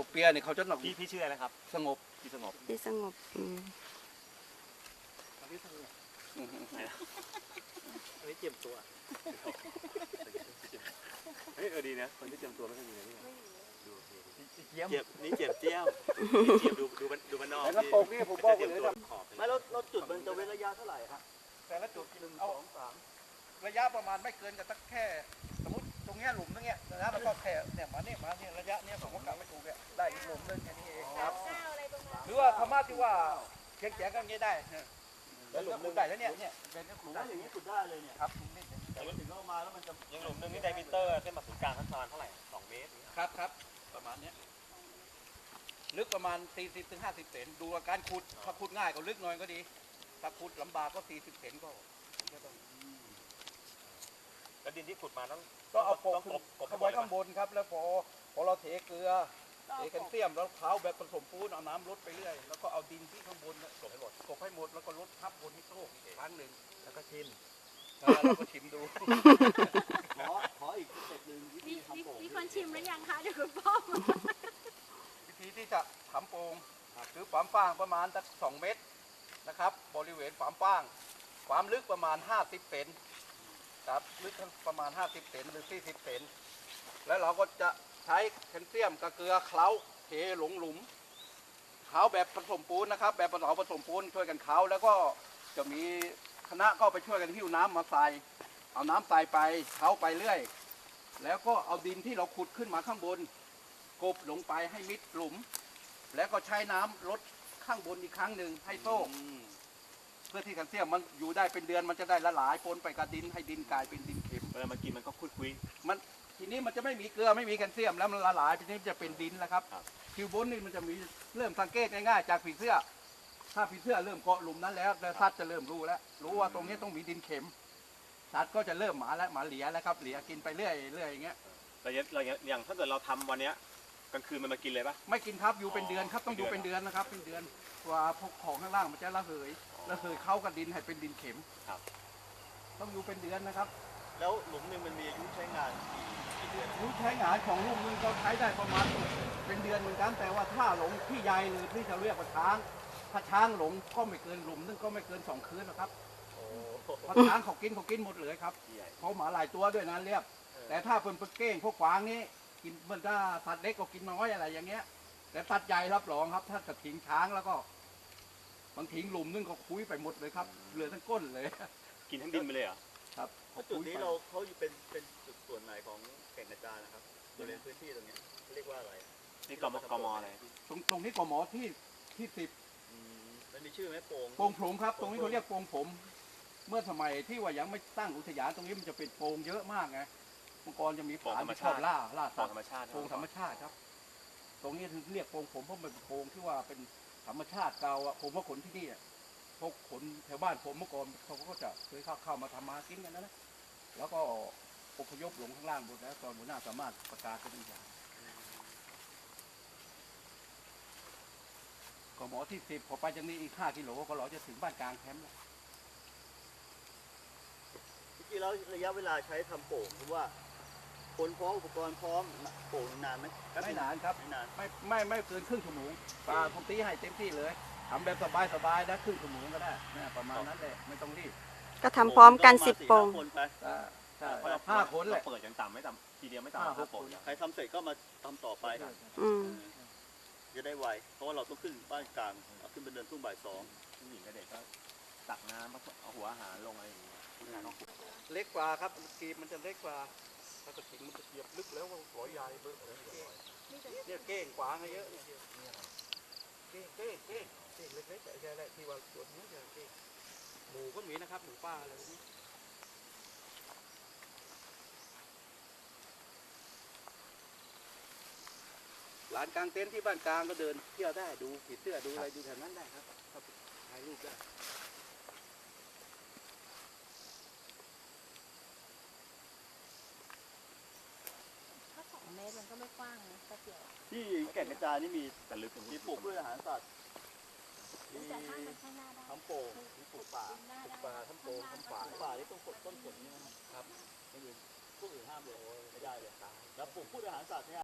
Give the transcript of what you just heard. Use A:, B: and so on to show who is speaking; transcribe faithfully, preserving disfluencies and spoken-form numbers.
A: เปียเนี่ยเขาจะหนัก
B: พี่พี่ชื่ออะไรครับ
A: สงบ
B: พี่สงบ
C: ที่สงบอืม
A: อันนี้เจียมตัว
B: เฮ้ยเออดีนะคนที่เตรียมตัวไม่ค่อยมีนะนี่ดู
A: เจียม
B: เจ็บนี่เจ็บเจี้ยวเจ็บดูดูมันดูมันนอก
A: แล้วก็ปกนี่ผมบอกเลยครับ
B: ไม่แล้วเราจุดมันจะเว้นระยะเท่าไหร่ครับ
A: แต่ละจุดหนึ่งสองสามระยะประมาณไม่เกินกับตั้งแค่สมมติตรงเนี้ยหลุมตรงเนี้ยนะแล้วก็แค่เนี่ยมาเนี่ยมาเนี่ยระยะเนี้ยผมก็กะไม่ถูกเนี่ยได้อีกหลุมนึงแค่นี้เองครับหรือว่าธรรมะที่ว่าเขียงแฉกันงี้ได้เนี่ยแล้วหลุมนึงได้แล้วเนี่ยเนี่ยเป็นหลุม
B: ถ้าอย่างนี้ขุดได้เลยเนี่ย
A: ครับหลุมนี้
B: แต่ว่าถึงเข้ามาแล้วมันจะยังหลุมนึงนี่ไดมิเตอร์เส้นผ่าศูนย์กลางทั้งประมาณเท่าไหร่สองเมตร
A: ครับครับประมาณเนี้ยลึกประมาณสี่สิบถึงห้าสิบเซนดูอาการขุดถ้าขุดง่ายก็ลึกหน่อยก็ดีถ้าขุดลำบากก็สี่สิบเซนก็ต้อง
B: แล้วดินที่ขุดมาต้อง
A: ก็เอาโปะ
B: ต้อง
A: ขึ้น
B: กบ
A: ข้างบนข้างบนครับแล้วพอพอเราเทเกลือเทแคลเซียมแล้วเท้าแบบผสมปูนเอาน้ำลดไปเรื่อยแล้วก็เอาดินที่ข้างบนกบให้หมดกบให้หมดแล้วก็ลดทับบนที่โต๊ะอีกครั้งหนึ่งแล้วก็ชิมแล้วก็ชิมดู
B: ขอขออีกสเต็ปหนึ่งวิธี
D: มี
B: ทำโป่ง
D: มีคนชิมหรือยังคะเดี๋ยวคุณพ่อมา
A: วิธีที่จะทำโป่งคือความฟ้างประมาณสักสองเมตรนะครับบริเวณความฟ้างความลึกประมาณห้าสิบเซนครับลึกประมาณห้าสิบเซนหรือสี่สิบเซนแล้วเราก็จะใช้แคลเซียมกับเกลือเคล้าเทลงหลุมเคล้าแบบผสมปูนนะครับแบบผสมผสมปูนช่วยกันเคล้าแล้วก็จะมีคณะก็ไปช่วยกันหิ้วน้ำมาใส่เอาน้ำใส่ไปเคล้าไปเรื่อยแล้วก็เอาดินที่เราขุดขึ้นมาข้างบนกบลงไปให้มิดหลุมแล้วก็ใช้น้ำลดข้างบนอีกครั้งหนึ่งให้โซ่เพื่อที่แคลเซียมมันอยู่ได้เป็นเดือนมันจะได้ละลายปนไปกับดินให้ดินกลายเป็นดินเค็ม
B: เวลามากินมันก็คุยคุย
A: มันทีนี้มันจะไม่มีเกลือไม่มีแคลเซียมแล้วมันละลายทีนี้จะเป็นดินแล้วครับ
B: ครับ
A: คิวบนนี่มันจะมีเริ่มสังเกตง่ายๆจากผีเสื้อ ถ้าผีเสื้อเริ่มเกาะหลุมนั้นแล้วแล้วสัตว์จะเริ่มรู้แล้วรู้ว่าตรงนี้ต้องมีดินเค็มสัตว์ก็จะเริ่มหมาแล้วหมาเหลียแล้วครับเหลียกินไปเรื่อยเรื่อยอย่างเงี้ย
B: เราเราอย่างถ้าเกิดเราทำวันเนี้ยกลางคืนมันมากินเลยปะ
A: ไม่กินครับอยู่เป็นเดือนครับต้องอยู่เป็นเดือนนะครับเป็นเดือนว่าพวกของข้างล่างมันจะระเหยระเหยเข้ากับดินให้เป็นดินเค็ม
B: ครับ
A: ต้องอยู่เป็นเดือนนะครับ
B: แล้วหลุมหนึ่งมันมีอายุใช้งานกี่เดือน
A: รู้ใช้งานของลูกนึงก็ใช้ได้ประมาณเป็นเดือนเหมือนกันแต่ว่าถ้าหลงที่ใหญ่หรือที่จะเรียกว่าช้างถ้าช้างหลงก็ไม่เกินหลุมนึงก็ไม่เกินสองคืนหรอกครับ
B: โอ้
A: เพราะช้างเขากินเขากินหมดเลยครับ
B: ใหญ่
A: เขาหมาหลายตัวด้วยนะเรียบแต่ถ้าเป็นปลาเก้งพวกกวางนี่กินมันถ้าสัตว์เล็กก็กินน้อยอะไรอย่างเงี้ยแต่สัตว์ใหญ่รับรองครับ ถ้าจะทิ้งช้างแล้วก็บางทิ้งหลุมนึงก็คุยไปหมดเลยครับเหลือทั้งก้นเลย
B: กินทั้งดินไปเลยเหรอ
A: ครับ
E: จุดนี้เราเขาอยู่เป็นเป็นจุดส่วนไหนของแก่งกระจานนะครับบริเวณพื้นที่ตรงเนี้ยเรียกว่าอะไร
B: นี่กมกมอะไร
A: ตรงตรงนี้กหมอที่ที่สิบ
E: อืมมันมีชื่อไหมโป่ง
A: โป่งผมครับ ตรงนี้เขาเรียกโป่งผม เมื่อสมัยที่ว่ายังไม่ตั้งอุทยานตรงนี้มันจะเป็นโป่งเยอะมากไงเมื่อก่อนจะมีผาที่ชอบล่าล่า
B: ขอ
A: สั
B: ง
A: ต
B: ธร
A: ว์
B: รมชาติ
A: โป่งธรรมชาติครับ ตรงนี้ถึงเรียกโป่งผมเพราะมันเป็นโป่งที่ว่าเป็นธรรมชาติเก่าอะผมว่าขนที่นี่อะพวกขนแถวบ้านผมเมื่อก่อนเขาก็จะเคยเข้าเข้ามาทำมากินกันนะนะแล้วก็อพยพลงข้างล่างหมดแล้วตอนหัวหน้าสามารถประกาศเป็นอย่างก็หมอที่สิบพอไปจากนี้อีกห้ากิโลก็เราจะถึงบ้านกลางแคมป์แล้ว
E: จริงๆแล้วระยะเวลาใช้ทำโป่งคือว่าคนพร้อมอุปกรณ์พร้อมโป่งนานไหม
A: ไม่นานครับ
E: ไม่นาน
A: ไม่ไม่ไม่เกินครึ่งชั่วโมงปลาผมตีให้เต็มที่เลยทำแบบสบายสบายๆนะครึ่งชั่วโมงก็ได้นะประมาณนั้นแหละไม่ต้องรีบ
C: ก็ทำพร้อมกันสิบโป่ง
E: คนไป
A: อ่าใช่ห้าคนแหละ
B: เปิดอย่างต่ำไม่ต่ำทีเดียวไม่ต่ำ
A: ห้าห
B: ห้าก โป่ง
A: คน
E: ใครทำเสร็จก็มาทำต่อไป
C: อืม
E: จะได้ไวเพราะว่าเราต้องขึ้นบ้านกลางเอาขึ้นเป็นเดินทุ่งบ่ายสอง
B: ผู้หญิงกับเด็กก็ตักน้ำเอาหัวอาหารลงอะไรอย่างเงี้ย
A: เล็กกว่าครับกีบมันจะเล็กกว่าถ้ากระถิ่งมันจะเหยียบลึกแล้วว่าหัวใหญ่เบอร์เนี่ยเก้งกวางเยอะเนี่ยเก้งเก้งเก้งเก้งเล็กๆแต่ใช่แหละที่ว่าตัวนี้จะเก้งหมูก็มีนะครับหมูป่าอะไรพวกนี้ลานกลางเต็นท์ที่บ้านกลางก็เดินเที่ยวได้ดูผีเสื้อดูอะไรดูแถวนั้นได้ครับถ่ายรูปได้
D: ถ้าสองเมตรมันก็ไม่กว้างนะแต่เดียว
E: ที่แก่งกระจานนี่มี
B: แต่ลึก
E: มีปลูกพืชอาหารสัตว์มี
D: แต่ถ้ามันข้างหน้าได้
E: ทำโป่งมีปลูกป่า
D: หน้าได้
A: ปลาทั้งโป่งทั้งป่า
E: ป่าที่ต้องกดต้นผลนี่นะครับ
A: ครับ
E: ไม่อื่นพวกอื่นห้ามเลยไม่ได้เลยแล้วปลูกพืชอาหารสัตว์เนี่ย